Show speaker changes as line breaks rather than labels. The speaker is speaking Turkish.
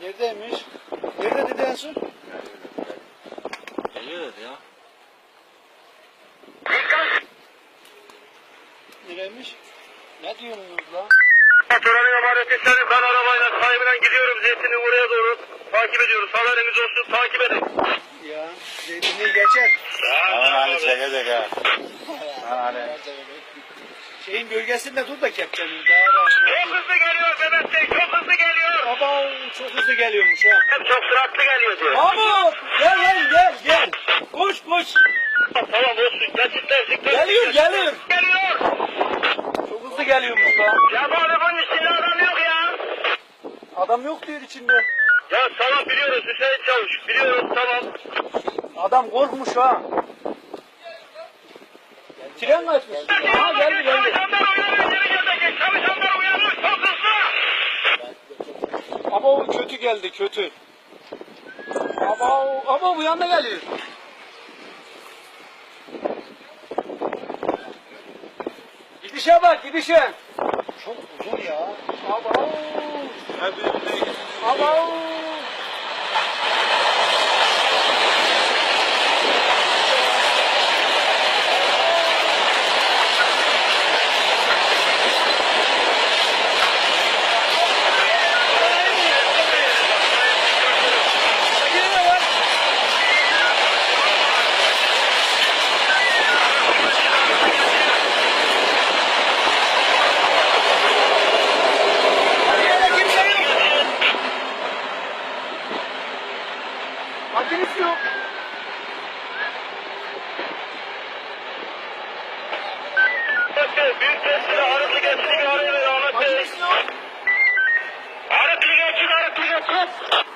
Neredeymiş? Nerede dedi en son?
Geliyor dedi ya.
Nereymiş? Ne diyorsunuz lan?
Motorun emaneti senin. Ben arabayla sahibinden gidiyorum. Zeytin'in oraya doğru takip ediyoruz. Haberiniz olsun, takip edin.
Ya zeytinliği geçer.
Hani çekecek ha.
Şeyin gölgesinde dur da kepçenin. Daha rahat.
Çok hızlı geliyor Mehmet Bey, çok hızlı geliyor.
Baba çok hızlı geliyormuş ha.
Çok süratli geliyor diyor.
Mahmut gel lan gel. Koş.
Tamam olsun, geçitlersik.
Geliyor.
Geliyor.
Çok hızlı geliyormuş lan.
Ya bu arabanın içinde adam yok ya.
Adam yok diyor içinde.
Ya tamam biliyoruz Hüseyin Çavuş, biliyoruz tamam.
Adam korkmuş ha. Tren kaçmış. Ha geldi.
Çalışanlar uyanıyor, geri gelecek. Çalışanlar uyanıyor, çok hızlı.
Ama o kötü geldi kötü. Ama bu yanda geliyor. Gidişe bak gidişe. Çok uzun ya. Aba. Makinesi yok.
Büyük tepside arıtlı geçtiğini arıyor Ahmet Bey.
Makinesi yok.
Arıtlı geçin.